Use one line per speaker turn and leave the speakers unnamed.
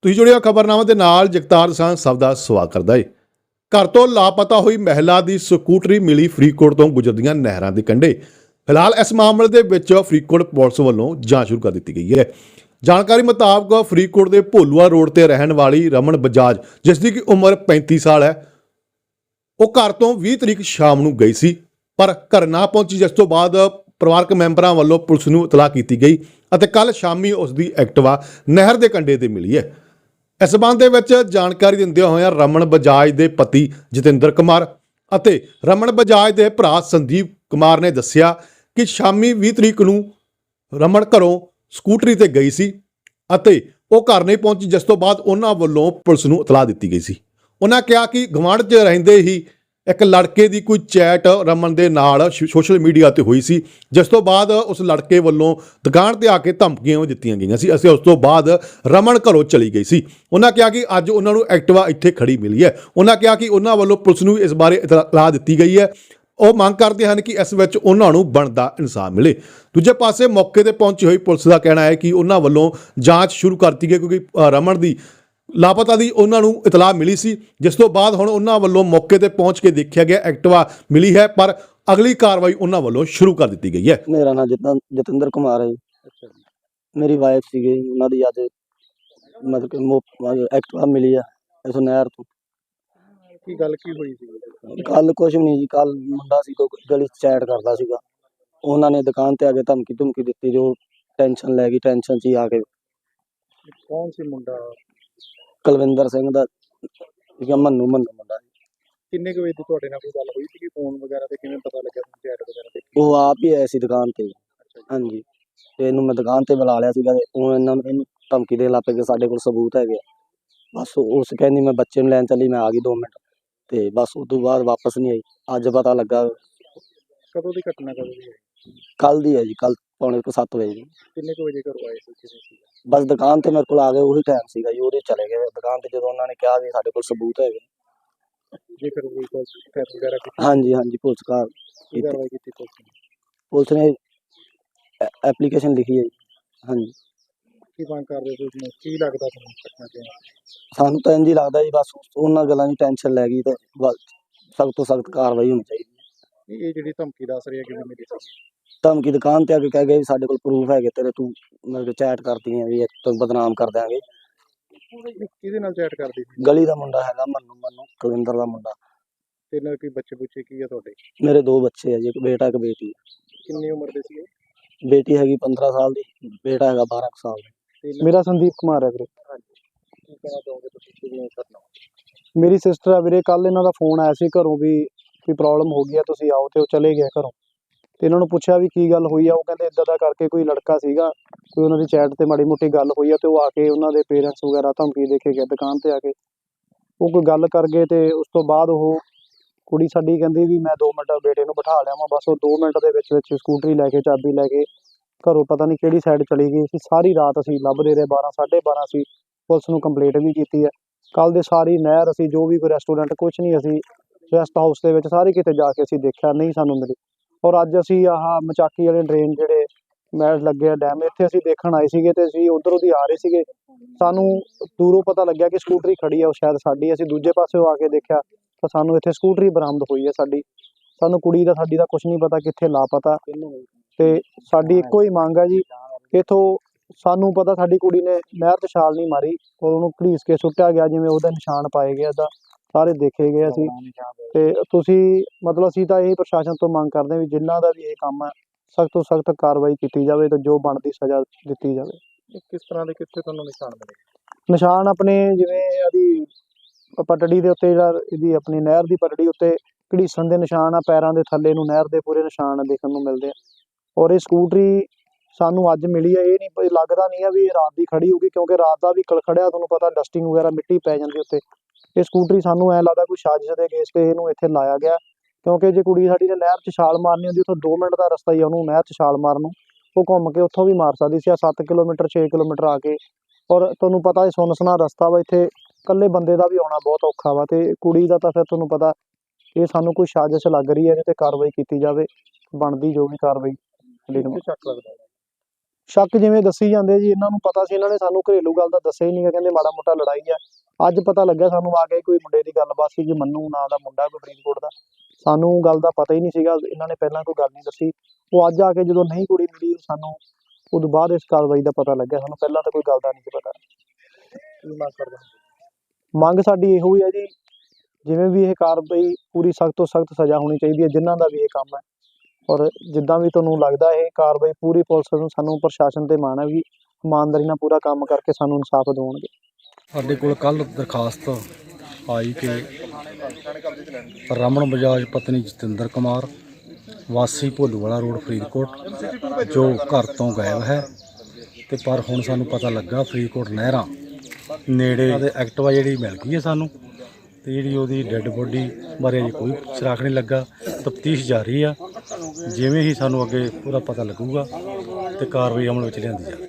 ਤੁਸੀਂ ਜੁੜਿਆ ਖਬਰਨਾਮਾ ਦੇ ਨਾਲ ਜਗਤਾਰ ਸਿੰਘ ਸਭ ਦਾ ਸਵਾਗਤ ਕਰਦਾ ਹੈ। ਘਰ ਤੋਂ ਲਾਪਤਾ ਹੋਈ ਮਹਿਲਾ ਦੀ ਸਕੂਟਰੀ ਮਿਲੀ ਫਰੀਦਕੋਟ ਤੋਂ ਗੁਜਰਦੀਆਂ ਨਹਿਰਾਂ ਦੇ ਕੰਢੇ। ਫਿਲਹਾਲ ਇਸ ਮਾਮਲੇ ਦੇ ਵਿੱਚ ਫਰੀਦਕੋਟ ਪੁਲਿਸ ਵੱਲੋਂ ਜਾਂਚ ਸ਼ੁਰੂ ਕਰ ਦਿੱਤੀ ਗਈ ਹੈ। ਜਾਣਕਾਰੀ ਮੁਤਾਬਕ ਫਰੀਦਕੋਟ ਦੇ ਭੋਲੂਆ ਰੋਡ ਤੇ ਰਹਿਣ ਵਾਲੀ ਰਮਨ ਬਜਾਜ, ਜਿਸ ਦੀ ਉਮਰ 35 ਸਾਲ ਹੈ, ਉਹ ਘਰ ਤੋਂ 20 ਤਰੀਕ ਸ਼ਾਮ ਨੂੰ ਗਈ ਸੀ, ਪਰ ਘਰ ਨਾ ਪਹੁੰਚੀ, ਜਿਸ ਤੋਂ ਬਾਅਦ ਪਰਿਵਾਰਕ ਮੈਂਬਰਾਂ ਵੱਲੋਂ ਪੁਲਿਸ ਨੂੰ ਇਤਲਾਹ ਕੀਤੀ ਗਈ ਅਤੇ ਕੱਲ ਸ਼ਾਮੀ ਉਸ ਦੀ ਐਕਟਿਵਾ ਨਹਿਰ ਦੇ ਕੰਢੇ ਤੇ ਮਿਲੀ ਹੈ। ਇਸ ਸੰਬੰਧ ਦੇ ਵਿੱਚ ਜਾਣਕਾਰੀ ਦਿੰਦਿਆਂ ਹੋਇਆਂ ਰਮਨ ਬਜਾਜ ਦੇ ਪਤੀ ਜਤਿੰਦਰ ਕੁਮਾਰ ਅਤੇ ਰਮਨ ਬਜਾਜ ਦੇ ਭਰਾ ਸੰਦੀਪ ਕੁਮਾਰ ਨੇ ਦੱਸਿਆ ਕਿ ਸ਼ਾਮੀ 20 ਤਰੀਕ ਨੂੰ ਰਮਨ ਘਰੋਂ ਸਕੂਟਰੀ ਤੇ ਗਈ ਸੀ ਅਤੇ ਉਹ ਘਰ ਨਹੀਂ ਪਹੁੰਚੀ, ਜਿਸ ਤੋਂ ਬਾਅਦ ਉਹਨਾਂ ਵੱਲੋਂ ਪੁਲਿਸ ਨੂੰ ਇਤਲਾਹ ਦਿੱਤੀ ਗਈ ਸੀ। ਉਹਨਾਂ ਕਿਹਾ ਕਿ ਗੁਆਂਢ 'ਚ ਰਹਿੰਦੇ ਹੀ ਇੱਕ ਲੜਕੇ ਦੀ ਕੋਈ ਚੈਟ ਰਮਨ ਦੇ ਨਾਲ ਸੋਸ਼ਲ ਮੀਡੀਆ ਤੇ ਹੋਈ ਸੀ, ਜਿਸ ਤੋਂ ਬਾਅਦ ਉਸ ਲੜਕੇ ਵੱਲੋਂ ਦੁਕਾਨ ਤੇ ਆ ਕੇ ਧਮਕੀਆਂ ਦਿੱਤੀਆਂ ਗਈਆਂ ਸੀ ਅਤੇ ਉਸ ਤੋਂ ਬਾਅਦ ਰਮਨ ਘਰੋਂ ਚਲੀ ਗਈ ਸੀ। ਉਹਨਾਂ ਕਿਹਾ ਕਿ ਅੱਜ ਉਹਨਾਂ ਨੂੰ ਐਕਟਿਵਾ ਇੱਥੇ ਖੜੀ ਮਿਲੀ ਹੈ। ਉਹਨਾਂ ਕਿਹਾ ਕਿ ਉਹਨਾਂ ਵੱਲੋਂ ਪੁਲਿਸ ਨੂੰ ਇਸ ਬਾਰੇ ਇਤਲਾਹ ਦਿੱਤੀ ਗਈ ਹੈ। ਉਹ ਮੰਗ ਕਰਦੇ ਹਨ ਕਿ ਇਸ ਵਿੱਚ ਉਹਨਾਂ ਨੂੰ ਬਣਦਾ ਇਨਸਾਫ ਮਿਲੇ। ਦੂਜੇ ਪਾਸੇ ਮੌਕੇ ਤੇ ਪਹੁੰਚੀ ਹੋਈ ਪੁਲਿਸ ਦਾ ਕਹਿਣਾ ਹੈ ਕਿ ਉਹਨਾਂ ਵੱਲੋਂ ਜਾਂਚ ਸ਼ੁਰੂ ਕਰ ਦਿੱਤੀ ਗਈ, ਕਿਉਂਕਿ ਰਮਨ ਦੀ ਲਾਪਤਾ ਦੀ ਉਹਨਾਂ ਨੂੰ ਇਤਲਾਹ ਮਿਲੀ ਸੀ, ਜਿਸ ਤੋਂ ਬਾਅਦ ਹੁਣ ਉਹਨਾਂ ਵੱਲੋਂ ਮੌਕੇ ਤੇ ਪਹੁੰਚ ਕੇ ਦੇਖਿਆ ਗਿਆ ਐਕਟਿਵਾ ਮਿਲੀ ਹੈ, ਪਰ ਅਗਲੀ ਕਾਰਵਾਈ ਉਹਨਾਂ ਵੱਲੋਂ ਸ਼ੁਰੂ ਕਰ ਦਿੱਤੀ ਗਈ ਹੈ।
ਮੇਰਾ ਨਾਮ ਜਤਿੰਦਰ ਕੁਮਾਰ ਹੈ ਜੀ। ਮੇਰੀ ਵਾਈਫ ਸੀਗੀ, ਉਹਨਾਂ ਦੀ ਅੱਜ ਮਤਲਬ ਕਿ ਐਕਟਿਵਾ ਮਿਲੀ ਆ ਇਸ ਨਹਿਰ ਤੋਂ।
ਕੀ ਗੱਲ ਕੀ ਹੋਈ ਸੀ?
ਕੱਲ ਕੁਛ ਵੀ ਨਹੀਂ ਜੀ। ਕੱਲ ਮੁੰਡਾ ਸੀ ਕੋਈ ਗਲੀ 'ਚ ਚੈਟ ਕਰਦਾ ਸੀਗਾ, ਉਹਨਾਂ ਨੇ ਦੁਕਾਨ ਤੇ ਆ ਕੇ ਧਮਕੀ ਦਿੱਤੀ, ਜੋ ਟੈਨਸ਼ਨ ਲੈ ਗਈ। ਟੈਨਸ਼ਨ 'ਚ ਹੀ ਆ ਕੇ
ਕੌਣ ਸੀ ਮੁੰਡਾ?
ਕੁਲਵਿੰਦਰ ਸਿੰਘ ਦਾ ਸੀਗਾ, ਮੰਨੂ ਮੁੰਡਾ।
ਕਿੰਨੇ ਕੁ ਵਜੇ ਦੀ ਤੁਹਾਡੇ ਨਾਲ ਕੋਈ ਗੱਲ ਹੋਈ ਸੀ? ਫੋਨ ਵਗੈਰਾ ਤੇ ਕਿਵੇਂ ਪਤਾ ਲੱਗਿਆ ਤੁਹਾਨੂੰ ਚੈਟ ਵਗੈਰਾ ਤੇ?
ਉਹ ਆਪ ਹੀ ਆਇਆ ਸੀ ਦੁਕਾਨ ਤੇ। ਹਾਂਜੀ, ਤੇ ਇਹਨੂੰ ਮੈਂ ਦੁਕਾਨ ਤੇ ਬੁਲਾ ਲਿਆ ਸੀਗਾ, ਉਹ ਇਹਨੂੰ ਧਮਕੀ ਦੇਣ ਲੱਗ ਪਏ ਕਿ ਸਾਡੇ ਕੋਲ ਸਬੂਤ ਹੈਗੇ। ਬਸ ਉਸ ਕਹਿੰਦੀ ਮੈਂ ਬੱਚੇ ਨੂੰ ਲੈਣ ਚੱਲੀ, ਮੈਂ ਆ ਗਈ 2 ਮਿੰਟ, ਤੇ ਬਸ ਉਸ ਤੋਂ ਬਾਅਦ ਵਾਪਸ ਨਹੀਂ ਆਈ। ਅੱਜ ਪਤਾ ਲੱਗਾ।
ਕਦੋਂ ਦੀ ਘਟਨਾ ਕਦੋਂ ਦੀ ਹੈ?
ਕੱਲ ਦੀ ਹੈ ਜੀ, ਕੱਲ ਪੌਣੇ 7 ਵਜੇ ਦੀ।
ਕਿੰਨੇ ਕੁ ਵਜੇ ਘਰੋਂ ਆਏ ਸੀ? ਕਿਵੇਂ ਸੀ?
ਬਸ ਦੁਕਾਨ ਤੇ ਮੇਰੇ ਕੋਲ ਆ ਗਏ, ਉਹੀ ਟਾਈਮ ਸੀਗਾ ਜੀ, ਉਹਦੇ ਚਲੇ ਗਏ ਦੁਕਾਨ ਤੇ ਜਦੋਂ ਉਹਨਾਂ ਨੇ ਕਿਹਾ ਵੀ ਸਾਡੇ ਕੋਲ ਸਬੂਤ ਹੈਗੇ।
ਜੇ ਫਿਰ ਕੋਈ ਫੈਰ ਵਗੈਰਾ ਕੀਤੀ?
ਹਾਂਜੀ, ਪੁਲਿਸ
ਕਾਰਵਾਈ ਕੀਤੀ
ਪੁਲਿਸ ਨੇ ਐਪਲੀਕੇਸ਼ਨ ਲਿਖੀ ਹੈ ਜੀ। ਹਾਂਜੀ।
ਕੀ ਮੰਗ ਕਰਦੇ ਤੁਸੀਂ? ਕੀ ਲੱਗਦਾ ਤੁਹਾਨੂੰ ਘਟਨਾ ਤੇ?
ਸਾਨੂੰ ਤਾਂ ਇੰਝ ਹੀ ਲੱਗਦਾ ਜੀ, ਬਸ ਉਹਨਾਂ ਗੱਲਾਂ ਦੀ ਟੈਨਸ਼ਨ ਲੈ ਗਈ ਤੇ ਸਖਤ ਤੋਂ ਸਖਤ ਕਾਰਵਾਈ ਹੋਣੀ ਚਾਹੀਦੀ।
ਇਹ ਜਿਹੜੀ ਧਮਕੀ ਦੱਸ ਰਹੀ ਹੈ ਕਿਵੇਂ ਮਿਲੀ ਸੀ?
ਧਮਕੀ ਦੁਕਾਨ ਤੇ ਆ ਕੇ ਕਹਿ ਗਏ ਵੀ ਸਾਡੇ ਕੋਲ ਪ੍ਰੂਫ ਹੈਗੇ ਤੇਰੇ, ਤੂੰ ਮਤਲਬ ਚੈਟ ਕਰਦੀ ਹੈ ਵੀ ਤੈਨੂੰ ਬਦਨਾਮ ਕਰ ਦਿਆਂਗੇ।
ਕਿਹਦੇ ਨਾਲ ਚੈਟ ਕਰਦੀ ਸੀ?
ਗਲੀ ਦਾ ਮੁੰਡਾ ਹੈਗਾ ਮੰਨੂ ਕੁਲਵਿੰਦਰ ਦਾ ਮੁੰਡਾ।
ਤੇ ਨਾਲ ਕੀ ਬੱਚੇ ਬੁੱਚੇ ਕੀ ਆ ਤੁਹਾਡੇ?
ਮੇਰੇ 2 ਬੱਚੇ ਆ ਜੀ, ਇੱਕ ਬੇਟਾ ਇੱਕ ਬੇਟੀ।
ਕਿੰਨੀ ਉਮਰ ਦੇ ਸੀ?
ਬੇਟੀ ਹੈਗੀ 15 ਸਾਲ ਦੀ, ਬੇਟਾ ਹੈਗਾ 12 ਸਾਲ ਦਾ।
ਮੇਰਾ ਸੰਦੀਪ ਕੁਮਾਰ ਹੈ ਵੀਰੇ।
ਕੀ ਕਹਿਣਾ ਚਾਹੋਗੇ ਤੁਸੀਂ? ਕਿਵੇਂ ਕਰਨਾ?
ਮੇਰੀ ਸਿਸਟਰ ਆ ਵੀਰੇ। ਕੱਲ ਇਹਨਾਂ ਦਾ ਫੋਨ ਆਇਆ ਸੀ ਘਰੋਂ ਵੀ ਕੋਈ ਪ੍ਰੋਬਲਮ ਹੋ ਗਈ ਆ, ਤੁਸੀਂ ਆਓ, ਤੇ ਉਹ ਚਲੇ ਗਏ ਘਰੋਂ। ਤੇ ਇਹਨਾਂ ਨੂੰ ਪੁੱਛਿਆ ਵੀ ਕੀ ਗੱਲ ਹੋਈ ਆ, ਉਹ ਕਹਿੰਦੇ ਇੱਦਾਂ ਦਾ ਕਰਕੇ ਕੋਈ ਲੜਕਾ ਸੀਗਾ, ਕੋਈ ਉਹਨਾਂ ਦੀ ਚੈਟ ਤੇ ਮਾੜੀ ਮੋਟੀ ਗੱਲ ਹੋਈ ਆ, ਤੇ ਉਹ ਆ ਕੇ ਉਹਨਾਂ ਦੇ ਪੇਰੈਂਟਸ ਵਗੈਰਾ ਧਮਕੀ ਦੇ ਕੇ ਗਏ ਦੁਕਾਨ ਤੇ ਆ ਕੇ। ਉਹ ਕੋਈ ਗੱਲ ਕਰ ਗਏ ਤੇ ਉਸ ਤੋਂ ਬਾਅਦ ਉਹ ਕੁੜੀ ਸਾਡੀ ਕਹਿੰਦੀ ਵੀ ਮੈਂ 2 ਮਿੰਟ ਬੇਟੇ ਨੂੰ ਬਿਠਾ ਲਿਆਵਾਂ। ਬਸ ਉਹ 2 ਮਿੰਟ ਦੇ ਵਿੱਚ ਸਕੂਟਰੀ ਲੈ ਕੇ, ਚਾਬੀ ਲੈ ਕੇ ਘਰੋਂ ਪਤਾ ਨਹੀਂ ਕਿਹੜੀ ਸਾਈਡ ਚਲੀ ਗਈ ਸੀ। ਸਾਰੀ ਰਾਤ ਅਸੀਂ ਲੱਭਦੇ ਰਹੇ, 12 12:30 ਅਸੀਂ ਪੁਲਿਸ ਨੂੰ ਕੰਪਲੇਂਟ ਵੀ ਕੀਤੀ ਹੈ। ਕੱਲ ਦੇ ਸਾਰੀ ਨਹਿਰ ਅਸੀਂ ਜੋ ਵੀ ਕੋਈ ਰੈਸਟੋਰੈਂਟ ਕੁਛ ਨਹੀਂ, ਅਸੀਂ ਰੈਸਟ ਹਾਊਸ ਦੇ ਵਿੱਚ ਸਾਰੇ ਕਿਤੇ ਜਾ ਕੇ ਅਸੀਂ ਦੇਖਿਆ, ਨਹੀਂ ਸਾਨੂੰ ਮਿਲੀ। ਔਰ ਅੱਜ ਅਸੀਂ ਆਹ ਮਚਾਕੀ ਵਾਲੇ ਡਰੇਨ ਜਿਹੜੇ ਮੈਚ ਲੱਗੇ ਆ ਡੈਮ, ਇੱਥੇ ਅਸੀਂ ਦੇਖਣ ਆਏ ਸੀਗੇ ਤੇ ਅਸੀਂ ਉੱਧਰੋਂ ਦੀ ਆ ਰਹੇ ਸੀਗੇ। ਸਾਨੂੰ ਦੂਰੋਂ ਪਤਾ ਲੱਗਿਆ ਕਿ ਸਕੂਟਰੀ ਖੜੀ ਆ, ਉਹ ਸ਼ਾਇਦ ਸਾਡੀ। ਅਸੀਂ ਦੂਜੇ ਪਾਸਿਓਂ ਆ ਕੇ ਦੇਖਿਆ ਤਾਂ ਸਾਨੂੰ ਇੱਥੇ ਸਕੂਟਰੀ ਬਰਾਮਦ ਹੋਈ ਹੈ ਸਾਡੀ। ਸਾਨੂੰ ਕੁੜੀ ਦਾ ਸਾਡੀ ਦਾ ਕੁਛ ਨਹੀਂ ਪਤਾ, ਕਿੱਥੇ ਲਾਪਤਾ। ਤੇ ਸਾਡੀ ਇੱਕੋ ਹੀ ਮੰਗ ਹੈ ਜੀ, ਇੱਥੋਂ ਸਾਨੂੰ ਪਤਾ ਸਾਡੀ ਕੁੜੀ ਨੇ ਨਹਿਰ 'ਚ ਛਾਲ ਨਹੀਂ ਮਾਰੀ ਔਰ ਉਹਨੂੰ ਘੜੀਸ ਕੇ ਸੁੱਟਿਆ ਗਿਆ, ਜਿਵੇਂ ਉਹਦੇ ਨਿਸ਼ਾਨ ਪਾਏ ਗਏ, ਇੱਦਾਂ ਸਾਰੇ ਦੇਖੇ ਗਏ ਅਸੀਂ। ਤੇ ਤੁਸੀਂ ਮਤਲਬ ਅਸੀਂ ਤਾਂ ਇਹ ਪ੍ਰਸ਼ਾਸਨ ਤੋਂ ਮੰਗ ਕਰਦੇ ਹਾਂ ਵੀ ਜਿਨ੍ਹਾਂ ਦਾ ਵੀ ਇਹ ਕੰਮ ਹੈ, ਸਖਤ ਤੋਂ ਸਖਤ ਕਾਰਵਾਈ ਕੀਤੀ ਜਾਵੇ ਤੇ ਜੋ ਬਣਦੀ ਸਜ਼ਾ ਦਿੱਤੀ ਜਾਵੇ।
ਕਿਸ ਤਰ੍ਹਾਂ ਦੇ ਕਿੱਥੇ ਤੁਹਾਨੂੰ ਨਿਸ਼ਾਨ ਮਿਲੇ?
ਨਿਸ਼ਾਨ ਆਪਣੇ ਜਿਵੇਂ ਇਹਦੀ ਪਟੜੀ ਦੇ ਉੱਤੇ, ਜਿਹੜਾ ਇਹਦੀ ਆਪਣੀ ਨਹਿਰ ਦੀ ਪਟੜੀ ਉੱਤੇ ਘੜੀਸਣ ਦੇ ਨਿਸ਼ਾਨ ਆ, ਪੈਰਾਂ ਦੇ ਥੱਲੇ ਨੂੰ ਨਹਿਰ ਦੇ ਪੂਰੇ ਨਿਸ਼ਾਨ ਦੇਖਣ ਨੂੰ ਮਿਲਦੇ ਆ। ਔਰ ਇਹ ਸਕੂਟਰੀ ਸਾਨੂੰ ਅੱਜ ਮਿਲੀ ਹੈ, ਇਹ ਨਹੀਂ ਲੱਗਦਾ ਨਹੀਂ ਆ ਵੀ ਇਹ ਰਾਤ ਦੀ ਖੜੀ ਹੋਊਗੀ, ਕਿਉਂਕਿ ਰਾਤ ਦਾ ਵੀ ਖੜਿਆ ਤੁਹਾਨੂੰ ਪਤਾ ਡਸਟਿੰਗ ਵਗੈਰਾ ਮਿੱਟੀ ਪੈ ਜਾਂਦੀ ਉੱਤੇ। ਇਹ ਸਕੂਟਰੀ ਸਾਨੂੰ ਐਂ ਲੱਗਦਾ ਕੋਈ ਸਾਜ਼ਿਸ਼ ਦੇ ਕੇਸ ਤੇ ਇਹਨੂੰ ਇੱਥੇ ਲਾਇਆ ਗਿਆ, ਕਿਉਂਕਿ ਜੇ ਕੁੜੀ ਸਾਡੀ ਨੇ ਨਹਿਰ 'ਚ ਛਾਲ ਮਾਰਨੀ ਹੁੰਦੀ, ਉੱਥੋਂ 2 ਮਿੰਟ ਦਾ ਰਸਤਾ ਹੀ ਆ ਉਹਨੂੰ ਨਹਿਰ 'ਚ ਛਾਲ ਮਾਰਨ ਨੂੰ, ਉਹ ਘੁੰਮ ਕੇ ਉੱਥੋਂ ਵੀ ਮਾਰ ਸਕਦੀ ਸੀ। ਆ 7 ਕਿਲੋਮੀਟਰ 6 ਕਿਲੋਮੀਟਰ ਆ ਕੇ, ਔਰ ਤੁਹਾਨੂੰ ਪਤਾ ਇਹ ਸੁੰਨਸਨਾ ਰਸਤਾ ਵਾ, ਇੱਥੇ ਇਕੱਲੇ ਬੰਦੇ ਦਾ ਵੀ ਆਉਣਾ ਬਹੁਤ ਔਖਾ ਵਾ, ਤੇ ਕੁੜੀ ਦਾ ਤਾਂ ਫਿਰ ਤੁਹਾਨੂੰ ਪਤਾ ਇਹ ਸਾਨੂੰ ਕੋਈ ਸਾਜ਼ਿਸ਼ ਲੱਗ ਰਹੀ ਹੈ, ਇਹਦੇ ਤੇ ਕਾਰਵਾਈ ਕੀਤੀ ਜਾਵੇ, ਬਣਦੀ ਜੋ ਵੀ ਕਾਰਵਾਈ।
ਸ਼ੱਕ ਲੱਗਦਾ?
ਸ਼ੱਕ ਜਿਵੇਂ ਦੱਸੀ ਜਾਂਦੇ ਜੀ, ਇਹਨਾਂ ਨੂੰ ਪਤਾ ਸੀ, ਇਹਨਾਂ ਨੇ ਸਾਨੂੰ ਘਰੇਲੂ ਗੱਲ ਦਾ ਦੱਸਿਆ ਹੀ ਨਹੀਂ ਗਾ, ਕਹਿੰਦੇ ਮਾੜਾ ਮੋਟਾ ਲੜਾਈ ਆ। ਅੱਜ ਪਤਾ ਲੱਗਿਆ ਸਾਨੂੰ ਆ ਕੇ ਕੋਈ ਮੁੰਡੇ ਦੀ ਗੱਲਬਾਤ ਸੀ ਜੀ, ਮੰਨੂ ਨਾਂ ਦਾ ਮੁੰਡਾ ਕੋਈ ਫਰੀਦਕੋਟ ਦਾ, ਸਾਨੂੰ ਗੱਲ ਦਾ ਪਤਾ ਹੀ ਨਹੀਂ ਸੀਗਾ, ਇਹਨਾਂ ਨੇ ਪਹਿਲਾਂ ਕੋਈ ਗੱਲ ਨਹੀਂ ਦੱਸੀ। ਉਹ ਅੱਜ ਆ ਕੇ ਜਦੋਂ ਨਹੀਂ ਕੁੜੀ ਮਿਲੀ ਸਾਨੂੰ ਉਦੋਂ ਬਾਅਦ ਇਸ ਕਾਰਵਾਈ ਦਾ ਪਤਾ ਲੱਗਿਆ, ਸਾਨੂੰ ਪਹਿਲਾਂ ਤਾਂ ਕੋਈ ਗੱਲ ਦਾ ਨਹੀਂ ਸੀ ਪਤਾ।
ਕੀ ਮੰਗ ਕਰਦਾ?
ਮੰਗ ਸਾਡੀ ਇਹੋ ਹੀ ਹੈ ਜੀ, ਜਿਵੇਂ ਵੀ ਇਹ ਕਾਰਵਾਈ ਪੂਰੀ ਸਖਤ ਤੋਂ ਸਖਤ ਸਜ਼ਾ ਹੋਣੀ ਚਾਹੀਦੀ ਹੈ ਜਿਨ੍ਹਾਂ ਦਾ ਵੀ ਇਹ ਕੰਮ ਹੈ, ਔਰ ਜਿੱਦਾਂ ਵੀ ਤੁਹਾਨੂੰ ਲੱਗਦਾ ਇਹ ਕਾਰਵਾਈ ਪੂਰੀ ਪੁਲਿਸ ਨੂੰ, ਸਾਨੂੰ ਪ੍ਰਸ਼ਾਸਨ ਤੇ ਮਾਣ ਹੈ ਵੀ ਇਮਾਨਦਾਰੀ ਨਾਲ ਪੂਰਾ ਕੰਮ ਕਰਕੇ ਸਾਨੂੰ ਇਨਸਾਫ ਦਿਵਾਉਣਗੇ।
ਸਾਡੇ ਕੋਲ ਕੱਲ੍ਹ ਦਰਖਾਸਤ ਆਈ ਕਿ ਰਮਨ ਬਜਾਜ ਪਤਨੀ ਜਤਿੰਦਰ ਕੁਮਾਰ ਵਾਸੀ ਭੋਲੂਵਾਲਾ ਰੋਡ ਫਰੀਦਕੋਟ ਜੋ ਘਰ ਤੋਂ ਗਾਇਬ ਹੈ, ਤੇ ਪਰ ਹੁਣ ਸਾਨੂੰ ਪਤਾ ਲੱਗਾ ਫਰੀਦਕੋਟ ਨਹਿਰਾਂ ਨੇੜੇ ਉਹਦੇ ਐਕਟਿਵਾ ਜਿਹੜੀ ਮਿਲ ਗਈ ਹੈ ਸਾਨੂੰ, ਤੇ ਜਿਹੜੀ ਉਹਦੀ ਡੈੱਡ ਬੋਡੀ ਬਾਰੇ ਅਜੇ ਕੋਈ ਸੁਰਾਖ ਨਹੀਂ ਲੱਗਾ। ਤਫਤੀਸ਼ ਜਾਰੀ ਆ, ਜਿਵੇਂ ਹੀ ਸਾਨੂੰ ਅੱਗੇ ਪੂਰਾ ਪਤਾ ਲੱਗੂਗਾ ਤੇ ਕਾਰਵਾਈ ਅਮਲ ਵਿੱਚ ਲਿਆਂਦੀ ਜਾਵੇ।